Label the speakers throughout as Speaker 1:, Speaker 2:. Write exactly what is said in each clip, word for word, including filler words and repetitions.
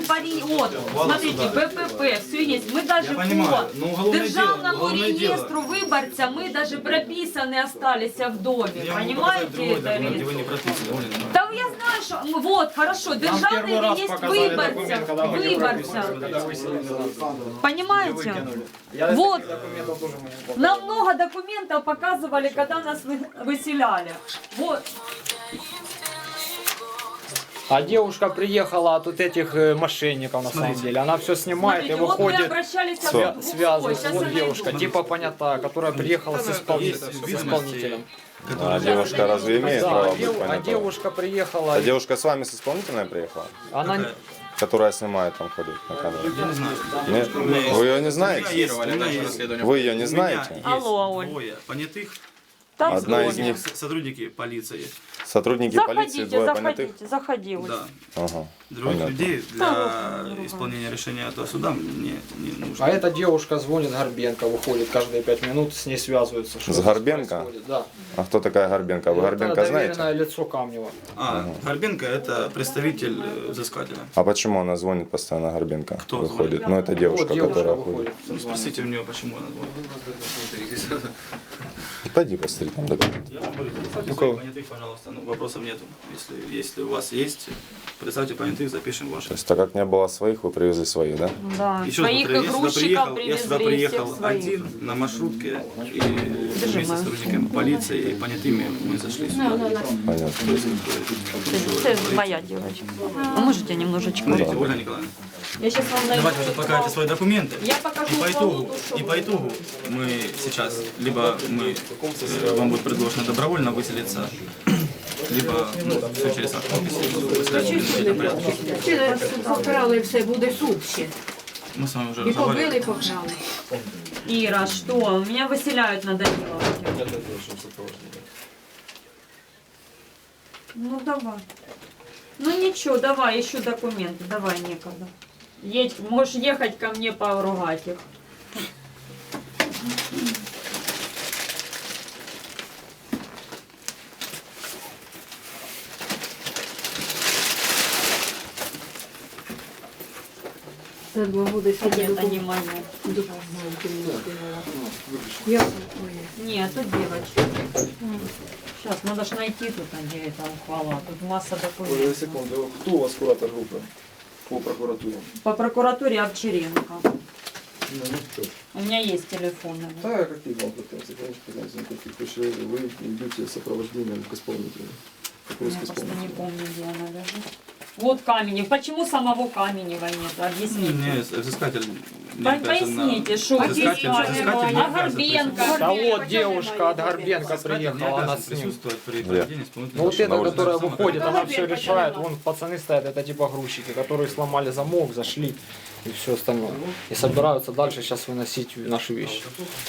Speaker 1: пари, вот, смотрите, БПП, все есть. Мы даже по державному реестру выборца, мы даже прописаны остались в доме. Понимаете это? Да я знаю, что, ну, вот, хорошо, державный реестр выборца, выборца. Понимаете? Вот, нам много документов показывали, когда нас выселяли. Вот.
Speaker 2: А девушка приехала от вот этих э, мошенников на самом деле. Она все снимает
Speaker 1: Смотрите,
Speaker 2: и
Speaker 1: вот мы
Speaker 2: выходит,
Speaker 1: обращались
Speaker 2: свя-
Speaker 1: к-
Speaker 2: связывает.
Speaker 1: Сейчас
Speaker 2: Вот
Speaker 1: я
Speaker 2: девушка,
Speaker 1: найду.
Speaker 2: типа понятая, которая приехала с, исполни- с исполнителем.
Speaker 3: А девушка разве имеет
Speaker 2: Да,
Speaker 3: право
Speaker 2: а,
Speaker 3: быть
Speaker 2: дев- а
Speaker 3: понятой?
Speaker 2: девушка приехала,
Speaker 3: А девушка с вами с исполнительной приехала?
Speaker 2: она...
Speaker 3: Которая снимает, там ходит на камеру?
Speaker 4: Я не знаю.
Speaker 3: Нет? Вы ее не знаете? Вы ее не знаете?
Speaker 1: Алло, Оль.
Speaker 4: Двое понятых,
Speaker 1: Там
Speaker 3: Одна из
Speaker 1: звонят.
Speaker 3: них
Speaker 4: с- сотрудники полиции.
Speaker 3: сотрудники полиции,
Speaker 1: Заходите,
Speaker 3: двое понятых?
Speaker 1: заходите, заходи. Оль.
Speaker 4: Да.
Speaker 3: Ага,
Speaker 4: Других
Speaker 3: понятно.
Speaker 4: людей для исполнения решения этого суда мне не нужно.
Speaker 2: А эта девушка звонит Горбенко, выходит каждые пять минут, с ней связываются. что
Speaker 3: С
Speaker 2: здесь
Speaker 3: Горбенко?
Speaker 2: происходит. Да.
Speaker 3: А кто такая Горбенко? Вы
Speaker 2: Это
Speaker 3: Горбенко знаете?
Speaker 2: доверенное лицо Камнева.
Speaker 4: А, Горбенко это представитель э, взыскателя.
Speaker 3: А почему она звонит постоянно Горбенко?
Speaker 4: Кто
Speaker 3: Выходит.
Speaker 4: звонит?
Speaker 3: Ну это девушка,
Speaker 2: Вот девушка
Speaker 3: которая
Speaker 2: выходит.
Speaker 3: ходит.
Speaker 4: Ну, спросите у нее, почему она звонит.
Speaker 3: Пойди посмотри там документы.
Speaker 4: Я вам говорю, представьте
Speaker 3: Ну,
Speaker 4: своих
Speaker 3: кого?
Speaker 4: понятых, пожалуйста. Ну, вопросов нету. Если, если у вас есть, представьте понятых, запишем ваши.
Speaker 3: То есть так как не было своих, вы привезли своих, да?
Speaker 1: Да,
Speaker 4: Еще раз
Speaker 1: своих
Speaker 4: повторяю, я сюда
Speaker 1: игрушечков
Speaker 4: приехал, я сюда
Speaker 1: привезли,
Speaker 4: приехал
Speaker 1: всех своих.
Speaker 4: один на маршрутке и вместе с сотрудниками полиции и понятыми мы зашли сюда.
Speaker 3: Понятно.
Speaker 1: Это моя девочка. А можете немножечко?
Speaker 4: Смотрите, Ольга Николаевна,
Speaker 1: Я сейчас вам найду.
Speaker 4: давайте уже покажите свои документы.
Speaker 1: Я покажу
Speaker 4: И по итогу,
Speaker 1: Володу, что
Speaker 4: и
Speaker 1: вы-
Speaker 4: по итогу мы сейчас, либо мы, э, вам будет предложено добровольно выселиться, либо ну, все через акт выселения в порядке.
Speaker 5: Чи покрали все, буде суд ще.
Speaker 4: Мы с вами уже
Speaker 5: І побили,
Speaker 4: разговаривали.
Speaker 5: і покрали.
Speaker 1: Ира, что? Меня выселяют на Даниловке. Ну давай. Ну ничего, давай, ищу документы, давай, некогда. Едь, можешь ехать ко мне поругать их.
Speaker 5: Це два роки сиділи.
Speaker 1: Нет, они мои.
Speaker 5: Я
Speaker 1: Нет, тут девочки. Сейчас, надо ж найти тут, где это ухвала. Тут масса документов.
Speaker 6: Секунду, кто у вас куратор группы по прокуратуре?
Speaker 1: По прокуратуре Овчаренко.
Speaker 6: Ну, ну что ж.
Speaker 1: У меня есть телефоны.
Speaker 6: Да, какие вам претензии, конечно, претензий никаких. Потому что вы идете с сопровождением к исполнителю. Какой
Speaker 1: Я
Speaker 6: к
Speaker 1: просто не
Speaker 6: исполнителю?
Speaker 1: помню, где она лежит. Вот Каменев. Почему самого Каменева нет? Объясните.
Speaker 4: Не, взыскатель не
Speaker 1: По-
Speaker 4: обязан на-
Speaker 1: Поясните, что
Speaker 4: Взыскатель, взыскатель не
Speaker 1: А
Speaker 4: обязан
Speaker 1: Горбенко?
Speaker 4: присутствовать.
Speaker 2: Да вот девушка от Горбенко
Speaker 4: Взыскатель не
Speaker 2: приехала, она
Speaker 4: обязан
Speaker 2: с ним.
Speaker 4: присутствовать при
Speaker 3: Где?
Speaker 4: проведении исполнительного
Speaker 2: Ну вот
Speaker 4: решения.
Speaker 2: эта,
Speaker 3: улице.
Speaker 2: которая
Speaker 4: Самое
Speaker 2: выходит,
Speaker 4: первое.
Speaker 2: она все решает. Вон пацаны стоят, это типа грузчики, которые сломали замок, зашли и все остальное. И собираются дальше сейчас выносить наши вещи.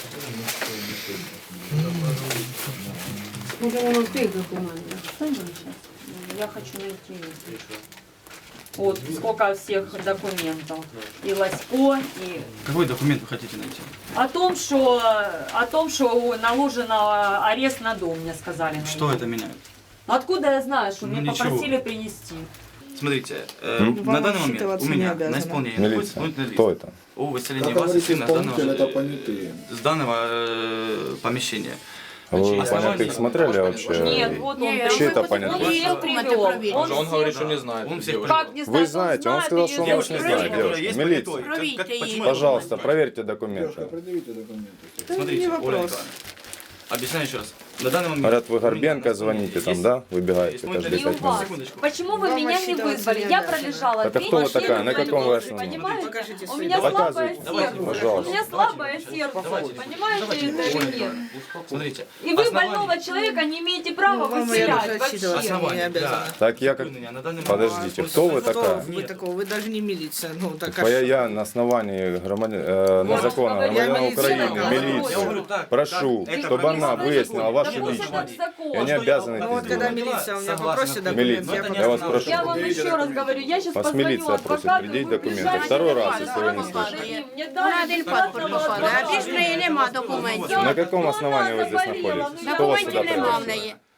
Speaker 5: Може воно в тих документах.
Speaker 1: Я хочу найти их. Вот сколько всех документов. И Лосько, и
Speaker 4: Какой документ вы хотите найти?
Speaker 1: о том, что о том, что наложен арест на дом, мне сказали. найти.
Speaker 4: Что это меняет?
Speaker 1: Откуда я знаю, что
Speaker 4: Ну,
Speaker 1: мне
Speaker 4: ничего.
Speaker 1: попросили принести?
Speaker 4: Смотрите, э, на данный момент у меня на исполнение находится
Speaker 3: Милиция.
Speaker 4: исполнительный
Speaker 3: Кто
Speaker 4: лист
Speaker 3: это?
Speaker 4: о выселении
Speaker 6: Как
Speaker 4: вас и
Speaker 6: говорит
Speaker 4: сына с данного,
Speaker 6: исполнитель, это понятые.
Speaker 4: с данного э, помещения.
Speaker 3: А вы
Speaker 4: Значит,
Speaker 3: понятых смотрели вообще?
Speaker 1: Нет, вот он.
Speaker 5: Нет,
Speaker 3: Чей это
Speaker 5: вы
Speaker 3: понятно?
Speaker 5: вот
Speaker 1: Он всех
Speaker 5: документы
Speaker 1: привел.
Speaker 5: проверили.
Speaker 1: Он,
Speaker 7: Он
Speaker 1: всех-
Speaker 7: говорит, что не знает.
Speaker 4: Он всех
Speaker 7: девушку.
Speaker 1: Как не
Speaker 3: Вы
Speaker 1: знает,
Speaker 3: знаете, он
Speaker 1: знает,
Speaker 3: сказал,
Speaker 1: или
Speaker 3: что он
Speaker 1: знает.
Speaker 3: вас не знает, девушка.
Speaker 4: есть
Speaker 3: Милиция.
Speaker 4: понятой. Как-
Speaker 5: Проверьте
Speaker 4: как-
Speaker 5: ее.
Speaker 4: почему это
Speaker 3: Пожалуйста,
Speaker 4: понятно?
Speaker 3: проверьте
Speaker 6: Девушка,
Speaker 3: документы.
Speaker 6: предъявите документы.
Speaker 4: Смотрите, Оля Николаевна, объясняю еще раз. На данный момент...
Speaker 3: Говорят, вы
Speaker 4: у меня
Speaker 3: Горбенко
Speaker 4: на
Speaker 3: звоните там,
Speaker 4: есть
Speaker 3: да? Выбегаете
Speaker 4: исполнительный
Speaker 3: каждые
Speaker 1: И у
Speaker 3: пять
Speaker 1: вас.
Speaker 3: минут.
Speaker 4: Секундочку.
Speaker 1: Почему вы меня не вызвали? Я пролежала
Speaker 3: Так а
Speaker 1: три
Speaker 3: кто вы
Speaker 1: недели
Speaker 3: такая? На
Speaker 1: в
Speaker 3: каком вы
Speaker 1: больнице,
Speaker 3: основании?
Speaker 1: понимаете?
Speaker 5: Покажите
Speaker 1: У
Speaker 5: свои
Speaker 1: меня слабое
Speaker 3: Показывайте.
Speaker 1: сердце.
Speaker 3: Пожалуйста.
Speaker 1: У меня слабое сердце.
Speaker 4: Давайте.
Speaker 1: Понимаете
Speaker 4: Давайте,
Speaker 1: это
Speaker 4: Оля
Speaker 1: или нет?
Speaker 4: Николаевна, Смотрите.
Speaker 1: И вы
Speaker 4: основание-
Speaker 1: больного человека не имеете права
Speaker 5: вам я
Speaker 1: выселять
Speaker 5: даже
Speaker 1: вообще.
Speaker 5: отчитываться
Speaker 4: Основание для
Speaker 3: Так я как...
Speaker 4: выполнения на данный момент-
Speaker 3: Подождите, кто вы такая?
Speaker 5: Вы такого, вы даже не милиция. Ну, так
Speaker 3: Типа я, я на основании громадян, э, на
Speaker 1: Вот,
Speaker 3: закона
Speaker 1: говорю,
Speaker 3: громадян
Speaker 5: я
Speaker 3: Украины,
Speaker 5: милиция,
Speaker 4: Я говорю
Speaker 3: милицию,
Speaker 4: так,
Speaker 3: прошу,
Speaker 4: так, это
Speaker 3: чтобы она
Speaker 4: прописано в
Speaker 3: выяснила
Speaker 4: законе.
Speaker 3: вашу
Speaker 1: Да пусть
Speaker 3: личность.
Speaker 1: этот закон.
Speaker 3: И они обязаны
Speaker 5: Ну
Speaker 3: это
Speaker 5: вот когда
Speaker 3: сделать.
Speaker 5: милиция у меня
Speaker 4: Согласен.
Speaker 5: попросит документы,
Speaker 3: Милиция.
Speaker 5: я
Speaker 3: Я вас
Speaker 5: покажу.
Speaker 3: прошу.
Speaker 1: Я вам еще раз говорю, я сейчас
Speaker 3: Вас
Speaker 1: позвоню
Speaker 3: милиция просит
Speaker 1: адвокату,
Speaker 3: предъявить
Speaker 1: вы
Speaker 3: документы.
Speaker 1: приезжайте,
Speaker 3: Второй раз,
Speaker 1: давайте,
Speaker 3: если вы не
Speaker 1: давайте,
Speaker 3: слышите.
Speaker 1: Мне
Speaker 5: На
Speaker 1: дали
Speaker 5: один
Speaker 1: бесплатного
Speaker 5: паспорт виходить, а більш в неї нема документів.
Speaker 3: На каком основании вы здесь находитесь? Кто вас сюда
Speaker 5: Документів нема в
Speaker 3: пригласил?
Speaker 5: неї.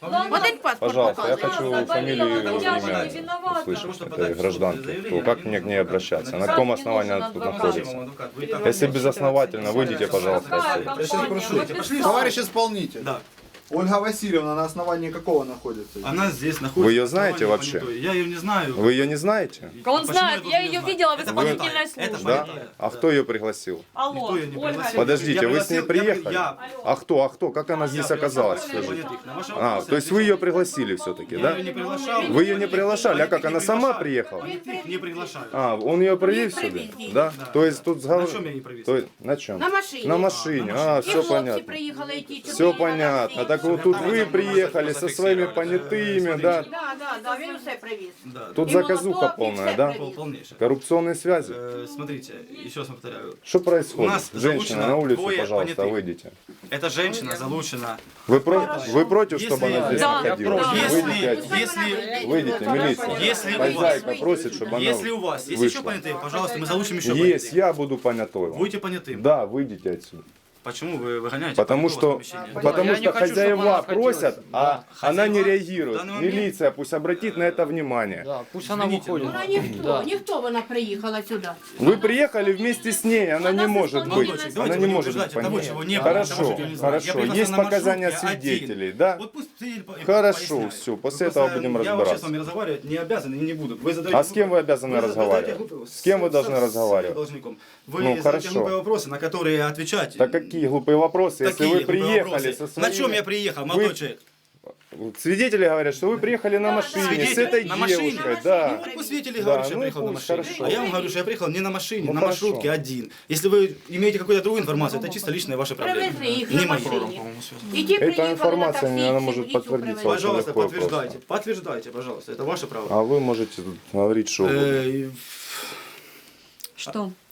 Speaker 5: Один паспорт
Speaker 3: Пожалуйста, я
Speaker 5: показує.
Speaker 3: хочу фамилию и
Speaker 1: Я же не
Speaker 3: имя
Speaker 1: виновата.
Speaker 3: услышать этой гражданки. То как мне к ней обращаться? На каком основании она тут находится? Если безосновательно, выйдите, пожалуйста,
Speaker 1: Какая
Speaker 3: отсюда.
Speaker 1: компания? Вы писали.
Speaker 7: Товарищ исполнитель,
Speaker 4: Да.
Speaker 7: Ольга Васильевна на основании какого находится?
Speaker 4: Она здесь находится.
Speaker 3: Вы её
Speaker 4: на
Speaker 3: знаете
Speaker 4: основании
Speaker 3: вообще?
Speaker 4: понятой. Я ее не знаю.
Speaker 3: Вы ее не знаете?
Speaker 1: Он
Speaker 4: Почему
Speaker 1: знает,
Speaker 4: должен
Speaker 1: я
Speaker 4: её
Speaker 1: ее
Speaker 4: знать?
Speaker 1: видела в
Speaker 4: Это
Speaker 1: исполнительной
Speaker 4: понятая, это
Speaker 1: службе.
Speaker 3: Да?
Speaker 4: понятая,
Speaker 3: А
Speaker 4: да.
Speaker 3: кто ее пригласил?
Speaker 1: Алло,
Speaker 4: Никто её не
Speaker 1: Ольга.
Speaker 4: пригласил.
Speaker 3: Подождите,
Speaker 4: Я
Speaker 3: вы с ней
Speaker 4: пригласил- я при-
Speaker 3: приехали?
Speaker 4: я-
Speaker 3: А кто, а кто? Как она здесь оказалась?
Speaker 4: Я
Speaker 3: Скажите?
Speaker 4: На ваши
Speaker 3: А,
Speaker 4: вопросы
Speaker 3: то есть вы ее пригласили все-таки,
Speaker 4: Я
Speaker 3: да?
Speaker 4: ее не приглашал.
Speaker 3: Вы ее не приглашали, а как,
Speaker 4: Они
Speaker 3: она
Speaker 4: не
Speaker 3: сама
Speaker 4: приглашали.
Speaker 3: приехала?
Speaker 4: Они их не приглашают.
Speaker 3: А, он ее привез сюда? Да? То есть тут
Speaker 4: На
Speaker 3: сговор...
Speaker 4: чем я не привез?
Speaker 3: То есть, на чем?
Speaker 5: На машині.
Speaker 3: На машине, а,
Speaker 5: І
Speaker 3: все
Speaker 5: хлопці
Speaker 3: понятно.
Speaker 5: приїхали, і ті чотири
Speaker 3: Все
Speaker 5: на
Speaker 3: понятно.
Speaker 5: таксі.
Speaker 3: Так вот тут вы приехали со своими понятыми, да?
Speaker 5: Да, да, да, він усе привіз.
Speaker 4: Да.
Speaker 3: Тут
Speaker 5: И
Speaker 3: заказуха
Speaker 5: молоток, и
Speaker 3: полная,
Speaker 5: все
Speaker 3: да?
Speaker 5: привез.
Speaker 4: Пол- Полнейшее.
Speaker 3: Коррупционные связи.
Speaker 4: Э, Смотрите, еще раз повторяю.
Speaker 3: Что
Speaker 4: У
Speaker 3: происходит?
Speaker 4: нас
Speaker 3: Женщина,
Speaker 4: залучено
Speaker 3: на улицу,
Speaker 4: двое
Speaker 3: пожалуйста,
Speaker 4: понятых.
Speaker 3: выйдите.
Speaker 4: Эта женщина залучена.
Speaker 3: Вы, про... вы против,
Speaker 4: Если-
Speaker 3: чтобы она здесь
Speaker 1: Да,
Speaker 3: находилась?
Speaker 1: да.
Speaker 4: Если,
Speaker 3: Выйдите отсюда.
Speaker 4: если,
Speaker 3: Выйдите, милиция.
Speaker 4: Если у вас-
Speaker 3: Хозяйка просит, чтобы она
Speaker 4: если у вас есть еще
Speaker 3: вышла.
Speaker 4: понятые, пожалуйста, мы залучим еще
Speaker 3: Есть,
Speaker 4: понятых.
Speaker 3: я буду понятой. вам.
Speaker 4: Будете понятым.
Speaker 3: Да, выйдите отсюда.
Speaker 4: Почему вы выгоняете?
Speaker 3: Потому
Speaker 4: понятого
Speaker 3: что,
Speaker 4: из помещения?
Speaker 3: потому
Speaker 2: Я не
Speaker 3: что
Speaker 2: хочу, чтобы
Speaker 3: хозяева
Speaker 2: она находилась.
Speaker 3: просят, а она не
Speaker 4: Хозяева в
Speaker 3: реагирует.
Speaker 4: данный момент-
Speaker 3: Милиция пусть обратит на это внимание.
Speaker 2: Да, пусть она
Speaker 4: Извините,
Speaker 2: выходит.
Speaker 5: Вона ніхто,
Speaker 2: Да.
Speaker 5: ніхто вона приїхала сюди.
Speaker 3: Вы приехали вместе с ней, она не может быть.
Speaker 4: Молодочек, давайте
Speaker 3: Она
Speaker 4: вы
Speaker 3: не
Speaker 4: не
Speaker 3: может быть
Speaker 4: утверждайте того,
Speaker 3: понятной.
Speaker 4: чего не было,
Speaker 3: Хорошо,
Speaker 4: того, чего не знаю. Я
Speaker 3: хорошо.
Speaker 4: приехал
Speaker 3: Есть
Speaker 4: на
Speaker 3: показания
Speaker 4: маршрутке
Speaker 3: свидетелей,
Speaker 4: один.
Speaker 3: да?
Speaker 4: Вот пусть свидетель по-
Speaker 3: Хорошо,
Speaker 4: поясняет.
Speaker 3: все,
Speaker 4: Вы
Speaker 3: после
Speaker 4: просто-
Speaker 3: этого будем
Speaker 4: Я вообще с
Speaker 3: разбираться.
Speaker 4: вами разговаривать не обязан и не буду. Вы задаете
Speaker 3: А с кем вы
Speaker 4: глупые-
Speaker 3: обязаны
Speaker 4: вы
Speaker 3: разговаривать?
Speaker 4: задаете глупые-
Speaker 3: С кем вы
Speaker 4: с-
Speaker 3: должны
Speaker 4: с-
Speaker 3: разговаривать?
Speaker 4: С должником. Вы
Speaker 3: Ну,
Speaker 4: задаете
Speaker 3: хорошо.
Speaker 4: глупые вопросы, на которые отвечать.
Speaker 3: Так какие глупые вопросы, если
Speaker 4: Такие
Speaker 3: вы
Speaker 4: глупые
Speaker 3: приехали
Speaker 4: вопросы.
Speaker 3: со своими...
Speaker 4: На чем я приехал, молодой человек?
Speaker 3: Свидетели говорят, что вы приехали на машине с
Speaker 4: Свидетель?
Speaker 3: этой
Speaker 4: На машине?
Speaker 3: девушкой,
Speaker 4: Ну,
Speaker 3: да.
Speaker 4: вот пусть свидетели
Speaker 3: Да,
Speaker 4: говорят, что я
Speaker 3: ну и
Speaker 4: приехал на
Speaker 3: пусть,
Speaker 4: машине.
Speaker 3: хорошо.
Speaker 4: А я вам говорю, что я приехал не на машине,
Speaker 3: Ну,
Speaker 4: на
Speaker 3: хорошо.
Speaker 4: маршрутке один. Если вы имеете какую-то другую информацию, это чисто личные ваши проблемы.
Speaker 5: Привезли їх
Speaker 4: Не
Speaker 5: на
Speaker 4: мои.
Speaker 5: машині. І ті
Speaker 3: Эта
Speaker 5: приїхали на
Speaker 3: информация,
Speaker 5: таксі,
Speaker 3: она
Speaker 5: цю
Speaker 3: может
Speaker 5: дівчину
Speaker 3: подтвердиться.
Speaker 5: привезли.
Speaker 4: Пожалуйста,
Speaker 3: легко и
Speaker 4: подтверждайте.
Speaker 3: просто.
Speaker 4: Подтверждайте, пожалуйста. Это ваше право.
Speaker 3: А вы можете тут говорить, что угодно.
Speaker 4: Э,
Speaker 1: Что?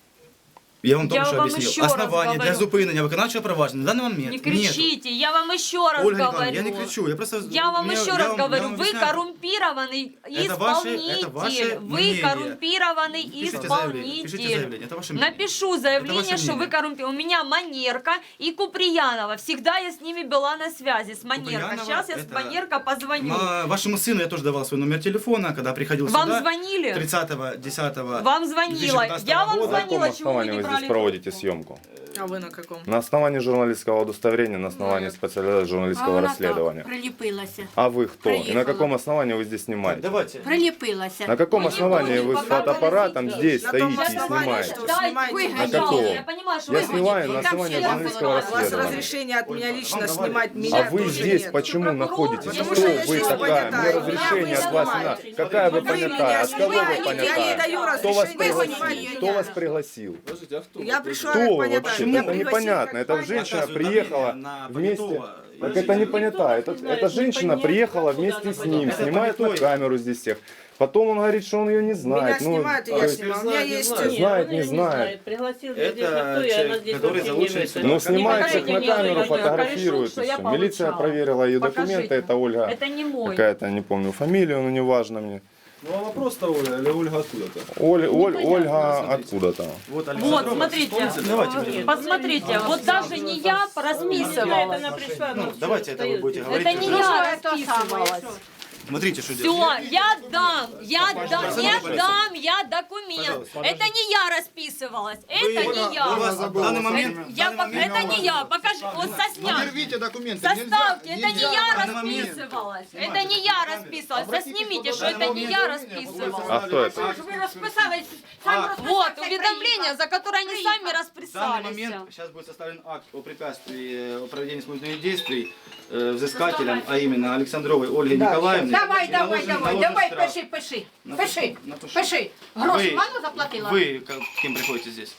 Speaker 4: Я вам
Speaker 1: Я
Speaker 4: только что
Speaker 1: вам
Speaker 4: объяснил.
Speaker 1: еще раз
Speaker 4: Основание для
Speaker 1: говорю.
Speaker 4: зупинення виконавчого провадження на данный момент
Speaker 1: Не
Speaker 4: нету.
Speaker 1: кричите, я вам еще раз
Speaker 4: Ольга
Speaker 1: говорю.
Speaker 4: Николаевна, я не кричу, я просто...
Speaker 1: Я вам
Speaker 4: меня-
Speaker 1: еще
Speaker 4: я
Speaker 1: раз
Speaker 4: вам- я
Speaker 1: говорю,
Speaker 4: вам
Speaker 1: вы
Speaker 4: объясняю.
Speaker 1: коррумпированный
Speaker 4: Это ваши-
Speaker 1: исполнитель.
Speaker 4: это ваше
Speaker 1: Вы
Speaker 4: мнение.
Speaker 1: коррумпированный
Speaker 4: Пишите заявление, пишите
Speaker 1: исполнитель.
Speaker 4: заявление, это ваше мнение.
Speaker 1: Напишу
Speaker 4: Это
Speaker 1: заявление,
Speaker 4: ваше
Speaker 1: что вы
Speaker 4: мнение.
Speaker 1: коррумпированы. У меня Манерка и Куприянова. Всегда я с ними была на связи, с Манерка.
Speaker 4: Куприянова
Speaker 1: Сейчас я с
Speaker 4: это-
Speaker 1: Манерка позвоню.
Speaker 4: Ма- Вашему сыну я тоже давал свой номер телефона, когда приходил
Speaker 1: Вам
Speaker 4: сюда.
Speaker 1: звонили?
Speaker 4: тридцатого десятого
Speaker 1: Вам звонила.
Speaker 4: две тысячи пятнадцатого
Speaker 1: Я вам
Speaker 4: года.
Speaker 3: На каком
Speaker 1: звонила, чего вы
Speaker 3: основании
Speaker 1: не
Speaker 3: вы
Speaker 1: брали
Speaker 3: здесь проводите съемку?
Speaker 5: А ви на якому?
Speaker 3: На основании журналистского удостоверения, на основании специализации журналистского расследования.
Speaker 5: приліпилася.
Speaker 3: А вы кто? И на
Speaker 5: Приехала.
Speaker 3: каком основании вы здесь
Speaker 4: Так,
Speaker 3: снимаете?
Speaker 4: давайте.
Speaker 5: Приліпилася.
Speaker 3: На каком
Speaker 1: Вы не
Speaker 3: основании
Speaker 1: будете
Speaker 3: вы с
Speaker 1: пока
Speaker 3: фотоаппаратом
Speaker 1: говорить.
Speaker 3: здесь
Speaker 5: На том
Speaker 3: стоите и
Speaker 5: основании,
Speaker 3: снимаете?
Speaker 5: что-
Speaker 1: Дайте,
Speaker 5: Снимайте.
Speaker 1: вы
Speaker 5: На
Speaker 1: хотите.
Speaker 3: каком?
Speaker 1: Я понимаю, что
Speaker 3: Я
Speaker 1: вы
Speaker 3: снимаю
Speaker 1: хотите.
Speaker 3: на
Speaker 1: Там
Speaker 3: основании
Speaker 1: все
Speaker 3: журналистского
Speaker 1: разные.
Speaker 5: У вас
Speaker 3: расследования.
Speaker 5: разрешение от меня лично
Speaker 4: Вам
Speaker 5: снимать
Speaker 4: давайте.
Speaker 5: меня
Speaker 3: А вы
Speaker 5: тоже
Speaker 3: здесь
Speaker 5: нет.
Speaker 3: почему находитесь?
Speaker 1: Потому
Speaker 3: Кто
Speaker 5: что я
Speaker 3: вы
Speaker 5: здесь
Speaker 3: такая? Мне
Speaker 5: понятая.
Speaker 3: разрешение
Speaker 5: Меня
Speaker 3: от вас не
Speaker 5: снимаете.
Speaker 3: надо. Какая вы
Speaker 5: Вы
Speaker 3: понятая?
Speaker 5: меня
Speaker 3: От кого вы
Speaker 5: снимаете, я не
Speaker 3: понятая?
Speaker 5: даю
Speaker 3: Кто вас
Speaker 5: разрешения
Speaker 3: пригласил?
Speaker 5: снимать.
Speaker 3: Кто вас пригласил?
Speaker 6: Подождите, а кто?
Speaker 5: Я пришла
Speaker 3: Кто
Speaker 5: как
Speaker 3: вообще?
Speaker 5: понятая.
Speaker 3: Это
Speaker 5: Я пригласила
Speaker 3: непонятно.
Speaker 5: как
Speaker 3: Это
Speaker 5: понятая.
Speaker 3: женщина
Speaker 4: Оказывают
Speaker 3: приехала
Speaker 4: давление на
Speaker 3: вместе.
Speaker 4: понятого.
Speaker 3: Так это не понятая. Это, эта женщина приехала вместе с ним,
Speaker 4: Это
Speaker 3: снимает на
Speaker 4: понятой.
Speaker 3: камеру здесь всех. Потом он говорит, что он ее не
Speaker 5: Меня
Speaker 3: знает. Ну,
Speaker 5: снимают, и
Speaker 3: то
Speaker 5: я
Speaker 3: есть-
Speaker 5: снимаю. У меня есть...
Speaker 3: Знает, не знает.
Speaker 8: Пригласил
Speaker 4: Это
Speaker 8: здесь никто, и
Speaker 4: человек,
Speaker 8: она здесь
Speaker 4: который
Speaker 8: вообще
Speaker 4: залучен
Speaker 8: не
Speaker 4: сюда.
Speaker 8: это.
Speaker 3: Ну, снимает
Speaker 1: покажите
Speaker 3: их на
Speaker 1: мне
Speaker 3: камеру,
Speaker 1: ее,
Speaker 3: фотографирует
Speaker 1: что
Speaker 3: и
Speaker 1: я
Speaker 3: все. Милиция
Speaker 1: получала.
Speaker 3: проверила ее
Speaker 1: Покажите.
Speaker 3: документы, это Ольга.
Speaker 1: Это не мой.
Speaker 3: Какая-то, не помню, фамилия, но не важно мне.
Speaker 6: Ну а вопрос-то Оля, или Ольга откуда-то?
Speaker 3: Оль, Оль,
Speaker 1: понятно,
Speaker 3: Ольга
Speaker 4: смотрите.
Speaker 3: откуда-то.
Speaker 4: Вот,
Speaker 1: Вот,
Speaker 4: Александр,
Speaker 1: смотрите,
Speaker 4: Давайте будем.
Speaker 1: посмотрите, вот даже не я расписывалась.
Speaker 8: Она пришла, ну,
Speaker 4: Давайте это вы будете говорить.
Speaker 1: Это не
Speaker 4: уже.
Speaker 1: я расписывалась.
Speaker 4: Смотрите, что делать.
Speaker 1: Все, я дам, я дам, я
Speaker 4: Пожалуйста.
Speaker 1: дам, я документ.
Speaker 4: Пожалуйста.
Speaker 1: Это не я расписывалась, это
Speaker 4: Вы-
Speaker 1: не
Speaker 4: у
Speaker 1: я.
Speaker 4: вас в данный момент...
Speaker 1: Это,
Speaker 4: в
Speaker 1: я
Speaker 4: данный
Speaker 1: пок-
Speaker 4: момент-
Speaker 1: это не я, покажи, вот сосняк.
Speaker 7: Рвите документы.
Speaker 1: Составьте, это не я
Speaker 4: данный момент-
Speaker 1: расписывалась, это не я расписывалась. Соснимите, что это не я расписывалась.
Speaker 3: А кто это?
Speaker 5: Вы расписались, сами расписались,
Speaker 1: Вот,
Speaker 5: как
Speaker 1: уведомление, за которое они сами
Speaker 4: В данный
Speaker 1: расписались.
Speaker 4: момент сейчас будет составлен акт о препятствии э, о проведении исполнительных действий э, взыскателям, а именно Александровой Ольге Николаевне.
Speaker 5: Давай,
Speaker 4: И
Speaker 5: давай,
Speaker 4: наложен-
Speaker 5: давай,
Speaker 4: наложен
Speaker 5: давай,
Speaker 4: штраф.
Speaker 5: пиши, пиши,
Speaker 4: Напишу,
Speaker 5: пиши,
Speaker 4: напишу.
Speaker 5: пиши. Гроші
Speaker 4: Вы-
Speaker 5: мало заплатила?
Speaker 4: Вы как- кем приходите здесь?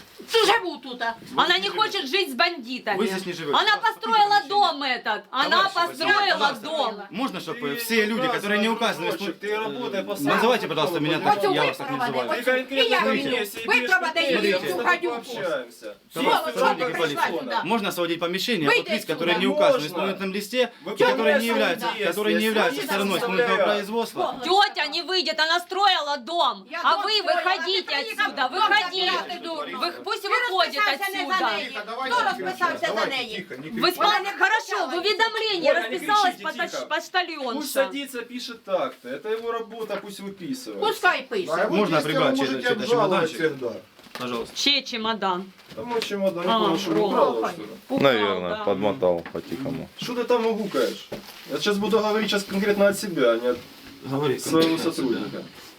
Speaker 5: Живу тут.
Speaker 1: Она не хочет жить с бандитами.
Speaker 4: Вы здесь не живете.
Speaker 1: Она построила дом этот. Она
Speaker 4: Товарищи,
Speaker 1: построила
Speaker 4: пожалуйста.
Speaker 1: дом.
Speaker 4: Можно, чтобы все люди, которые не указаны... в исполн-
Speaker 7: Ты работай по
Speaker 4: Называйте, пожалуйста, меня так,
Speaker 5: Оцю
Speaker 4: я вас так не называю.
Speaker 5: випроводи, оцю. І я випроводи її, цю гадюку.
Speaker 6: Общаемся.
Speaker 5: Сволочь,
Speaker 4: Сотрудники
Speaker 5: що ти прийшла
Speaker 4: полиции.
Speaker 5: сюди?
Speaker 4: Можно освободить помещение
Speaker 5: Выйди
Speaker 4: от лиц,
Speaker 5: отсюда.
Speaker 4: которые не указаны в
Speaker 6: Можно.
Speaker 4: исполнительном листе,
Speaker 6: Вы
Speaker 4: и которые не
Speaker 6: понимаете,
Speaker 4: являются,
Speaker 6: что есть,
Speaker 4: которые не
Speaker 6: есть.
Speaker 4: являются
Speaker 6: Есть,
Speaker 4: стороной
Speaker 6: есть,
Speaker 4: исполнительного
Speaker 6: есть.
Speaker 4: производства.
Speaker 1: Тетя не выйдет, она строила дом.
Speaker 5: Я
Speaker 1: А
Speaker 5: дом
Speaker 1: вы
Speaker 5: строила,
Speaker 1: выходите
Speaker 5: ты приехал
Speaker 1: отсюда,
Speaker 5: дом
Speaker 1: выходи.
Speaker 5: забирать, ты дура.
Speaker 1: Вы, пусть пусть выходит
Speaker 5: розписався не за
Speaker 1: отсюда.
Speaker 5: неї? Хто розписався за неї?
Speaker 1: В исполнении, хорошо, в уведомлении
Speaker 8: Оля, не
Speaker 1: расписалась
Speaker 8: кричите,
Speaker 1: почта-
Speaker 8: тихо.
Speaker 1: почтальонша.
Speaker 8: Пусть садится, пишет так-то. Это его работа, пусть выписывает.
Speaker 5: Пускай
Speaker 7: А
Speaker 5: пише.
Speaker 7: его
Speaker 4: Можно
Speaker 7: действия
Speaker 4: прибрать
Speaker 7: вы
Speaker 4: чей-то-
Speaker 7: можете
Speaker 4: чей-то
Speaker 7: обжаловать
Speaker 4: чемоданчик?
Speaker 7: всегда.
Speaker 4: Пожалуйста.
Speaker 1: Чей чемодан?
Speaker 8: Там мой чемодан,
Speaker 1: А,
Speaker 8: не понял, что
Speaker 1: Рома.
Speaker 8: украл его, что ли?
Speaker 1: Упал,
Speaker 3: Наверное,
Speaker 1: да.
Speaker 3: подмотал по-тихому.
Speaker 8: Что ты там угукаешь? Я сейчас буду говорить сейчас конкретно от себя, а не от
Speaker 4: Говори.
Speaker 8: своего сотрудника.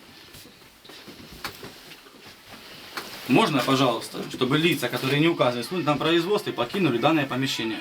Speaker 4: Можно, пожалуйста, чтобы лица, которые не указаны в на производстве, покинули данное помещение?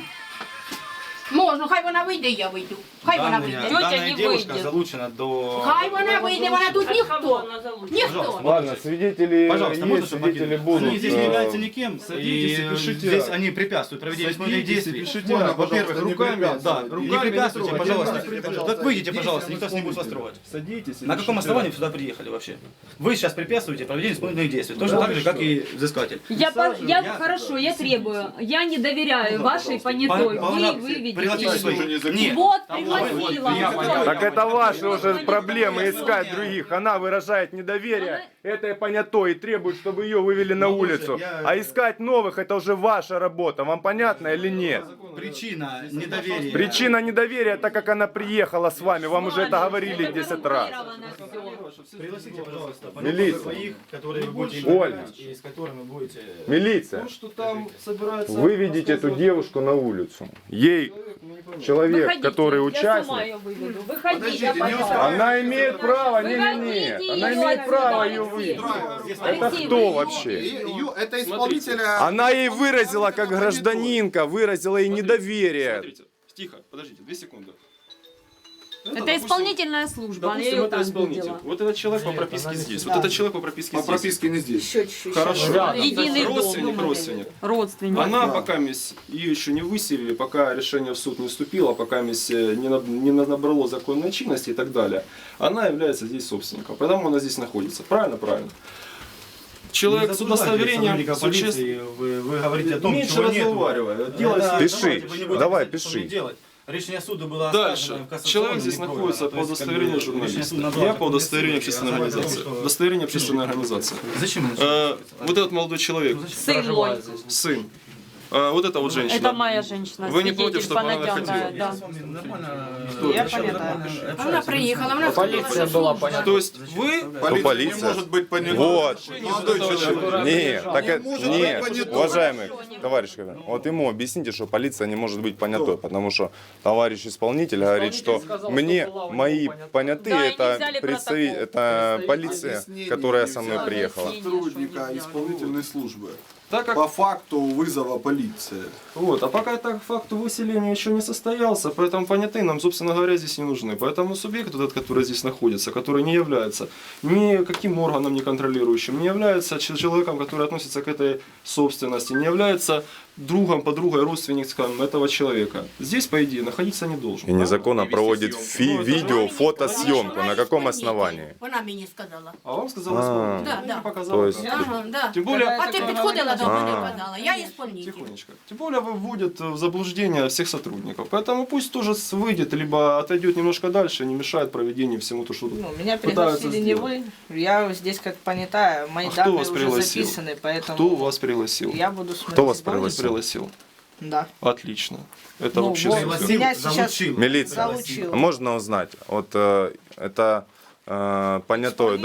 Speaker 5: Можна, хай вона вийде, я вийду. Хай вона
Speaker 4: Данная,
Speaker 5: вийде.
Speaker 1: Тетя
Speaker 4: данная
Speaker 1: не
Speaker 4: девушка
Speaker 1: выйдет.
Speaker 4: залучена до...
Speaker 5: Хай вона вийде, вона тут ніхто. Ніхто.
Speaker 3: Ладно, свидетели
Speaker 4: Пожалуйста, можно,
Speaker 3: есть,
Speaker 4: чтобы
Speaker 3: свидетели
Speaker 4: покинули?
Speaker 3: будут.
Speaker 4: Они здесь
Speaker 3: э,
Speaker 4: не являются никем,
Speaker 8: садитесь
Speaker 4: и
Speaker 8: и пишите.
Speaker 4: здесь они препятствуют проведению исполнительных
Speaker 8: Садитесь и
Speaker 4: действий.
Speaker 8: пишите.
Speaker 7: Можно,
Speaker 8: Во-первых,
Speaker 7: пожалуйста, не
Speaker 8: руками, да,
Speaker 7: препятствуйте.
Speaker 4: Не
Speaker 8: руками
Speaker 4: препятствуйте,
Speaker 8: не
Speaker 4: пожалуйста.
Speaker 8: трогайте.
Speaker 7: пожалуйста.
Speaker 4: Так выйдите,
Speaker 8: Действия
Speaker 4: пожалуйста,
Speaker 8: не
Speaker 4: никто с не будет вас
Speaker 8: будете.
Speaker 4: трогать.
Speaker 8: Садитесь и
Speaker 4: На каком
Speaker 8: пишите.
Speaker 4: основании вы сюда приехали вообще? Вы сейчас препятствуете проведению исполнительных действий, точно так же, как и взыскатель.
Speaker 1: Я, по- я,
Speaker 4: Я-
Speaker 1: хорошо, я требую. Я не доверяю вашей понятой.
Speaker 4: По-
Speaker 1: Вы
Speaker 4: по-
Speaker 1: выведите
Speaker 4: пригласите
Speaker 1: ее.
Speaker 4: своих. Нет.
Speaker 1: Вот, пригласила.
Speaker 3: Так это ваши уже проблемы искать других. Она выражает недоверие этой понятой и требует, чтобы ее вывели на
Speaker 4: Ну, слушай,
Speaker 3: улицу.
Speaker 4: я-
Speaker 3: А искать новых это уже ваша работа. Вам понятно или нет?
Speaker 4: Причина недоверия.
Speaker 3: Причина недоверия, так как она приехала с вами. Вам уже это говорили десять раз.
Speaker 4: Пригласите, пожалуйста,
Speaker 3: Милиция.
Speaker 4: своих, которые вы будете
Speaker 3: Ольга.
Speaker 4: иметь, и с которыми будете...
Speaker 3: Милиция,
Speaker 8: То, что там собирается...
Speaker 3: выведите эту девушку на улицу. Ей
Speaker 8: Ну, не понял.
Speaker 3: человек,
Speaker 1: Выходите,
Speaker 3: который
Speaker 1: я сама
Speaker 3: участник,
Speaker 1: ее выведу. Выходите,
Speaker 7: Подождите, не
Speaker 1: пожалуйста.
Speaker 3: она имеет право, не-не-не,
Speaker 1: Выводите
Speaker 3: она
Speaker 1: ее
Speaker 3: имеет
Speaker 1: отсюда,
Speaker 3: право ее
Speaker 1: Алексей.
Speaker 3: вывести. Это
Speaker 1: Алексей,
Speaker 3: кто
Speaker 1: вы-
Speaker 3: вообще?
Speaker 7: Ее- Это исполнителя...
Speaker 3: Она ей выразила, как гражданинка, выразила ей недоверие.
Speaker 8: Смотрите, тихо, подождите, две секунды.
Speaker 1: Это
Speaker 8: допустим,
Speaker 1: исполнительная служба, я
Speaker 8: Допустим,
Speaker 1: ее
Speaker 8: это
Speaker 1: там
Speaker 8: исполнитель.
Speaker 1: видела.
Speaker 8: Вот этот человек по прописке здесь. Вот этот человек по прописке
Speaker 7: По
Speaker 8: здесь.
Speaker 7: прописке не здесь.
Speaker 8: Хорошо.
Speaker 1: Единый дом.
Speaker 8: Родственник, родственник.
Speaker 1: Родственник.
Speaker 8: Она,
Speaker 7: Да.
Speaker 8: пока мисс- ее еще не выселили, пока решение в суд не вступило, пока мисс, э, не, на- не на- набрало законной чинности и так далее, она является здесь собственником. Поэтому она здесь находится. Правильно? Правильно. Человек с удостоверением, с участием...
Speaker 4: Вы, вы говорите о том,
Speaker 8: Меньше
Speaker 4: чего нету.
Speaker 8: разговаривай. Делай
Speaker 4: Да,
Speaker 8: себе-
Speaker 3: Пиши,
Speaker 4: давайте, вы не будете
Speaker 3: давай,
Speaker 4: писать, что
Speaker 3: пиши.
Speaker 4: мне делать. Решение суда было
Speaker 8: Дальше.
Speaker 4: оставлено в кассационном
Speaker 8: Человек здесь
Speaker 4: не пройдено.
Speaker 8: находится
Speaker 4: То
Speaker 8: по
Speaker 4: есть,
Speaker 8: удостоверению
Speaker 4: как бы, решение
Speaker 8: журналиста.
Speaker 4: суда назвало
Speaker 8: Я
Speaker 4: как
Speaker 8: по удостоверению
Speaker 4: преступник,
Speaker 8: общественной
Speaker 4: а
Speaker 8: организации.
Speaker 4: значит, что-
Speaker 8: Удостоверение общественной организации.
Speaker 4: Зачем вы
Speaker 8: Э,
Speaker 4: начинаете?
Speaker 8: Вот этот молодой человек,
Speaker 1: Сын мой.
Speaker 8: сын. Э, Вот эта вот женщина.
Speaker 1: Это моя женщина.
Speaker 8: Вы не
Speaker 1: свидетель
Speaker 8: против, чтобы она
Speaker 1: Панагян,
Speaker 8: находила?
Speaker 1: да.
Speaker 5: Я пам'ятаю. Вона приїхала, вона
Speaker 2: Полиция была понятна.
Speaker 8: То есть вы...
Speaker 3: Ну, полиция.
Speaker 7: Не может быть понята.
Speaker 3: Вот.
Speaker 7: Молодой человек.
Speaker 3: Нет, так
Speaker 7: Не
Speaker 3: это,
Speaker 7: может быть
Speaker 3: нет,
Speaker 7: понятой.
Speaker 3: уважаемый товарищ, вот ему объясните, что полиция не может быть понятой, потому что товарищ исполнитель говорит, что
Speaker 2: сказал,
Speaker 3: мне
Speaker 2: что была у
Speaker 3: мои
Speaker 2: него понятая.
Speaker 3: понятые
Speaker 1: Да, и не
Speaker 3: это
Speaker 1: взяли
Speaker 3: представи-
Speaker 1: протокол.
Speaker 3: это полиция,
Speaker 7: Объяснение
Speaker 3: которая
Speaker 7: не
Speaker 3: со мной
Speaker 7: взяли.
Speaker 3: приехала.
Speaker 7: Сотрудника исполнительной службы.
Speaker 8: Так как
Speaker 7: По факту вызова полиции.
Speaker 8: Вот, а пока так факт выселения еще не состоялся, поэтому понятые нам, собственно говоря, здесь не нужны. Поэтому субъект, вот этот, который здесь находится, который не является никаким органом не контролирующим, не является ч- человеком, который относится к этой собственности, не является другом, подругой, родственником этого человека. Здесь, по идее, находиться не должен.
Speaker 3: И незаконно
Speaker 8: Вести
Speaker 3: проводит
Speaker 8: съемку.
Speaker 3: фи-
Speaker 8: Ну, это-
Speaker 3: видео, фотосъемку. На каком основании?
Speaker 5: Вона мені сказала.
Speaker 8: А вам сказала
Speaker 3: А.
Speaker 8: исполнитель.
Speaker 5: Да,
Speaker 8: Мне
Speaker 5: да.
Speaker 8: показала
Speaker 3: То есть-
Speaker 8: как.
Speaker 5: Ага, да.
Speaker 8: Тем более,
Speaker 5: А ти підходила до мене і
Speaker 3: А.
Speaker 5: казала, я ісполнитель.
Speaker 8: тихонечко. Тем более выводит в заблуждение всех сотрудников. Поэтому пусть тоже выйдет, либо отойдет немножко дальше, не мешает проведению всему то, что тут
Speaker 9: Ну, меня
Speaker 8: пытаются
Speaker 9: пригласили не
Speaker 8: сделать.
Speaker 9: вы, я здесь как понятая, мои
Speaker 8: А кто
Speaker 9: данные
Speaker 8: вас
Speaker 9: уже
Speaker 8: пригласил?
Speaker 9: записаны, поэтому
Speaker 8: Кто вас пригласил?
Speaker 9: я буду смотреть.
Speaker 3: Кто вас
Speaker 8: Кто вас
Speaker 3: пригласил?
Speaker 8: пригласил?
Speaker 9: Да.
Speaker 8: Отлично. Это
Speaker 9: Ну,
Speaker 8: вообще
Speaker 9: вот.
Speaker 8: супер.
Speaker 9: Меня сейчас
Speaker 4: Залучил.
Speaker 3: Милиция,
Speaker 9: залучил.
Speaker 3: можно узнать, вот э, это э, понятой,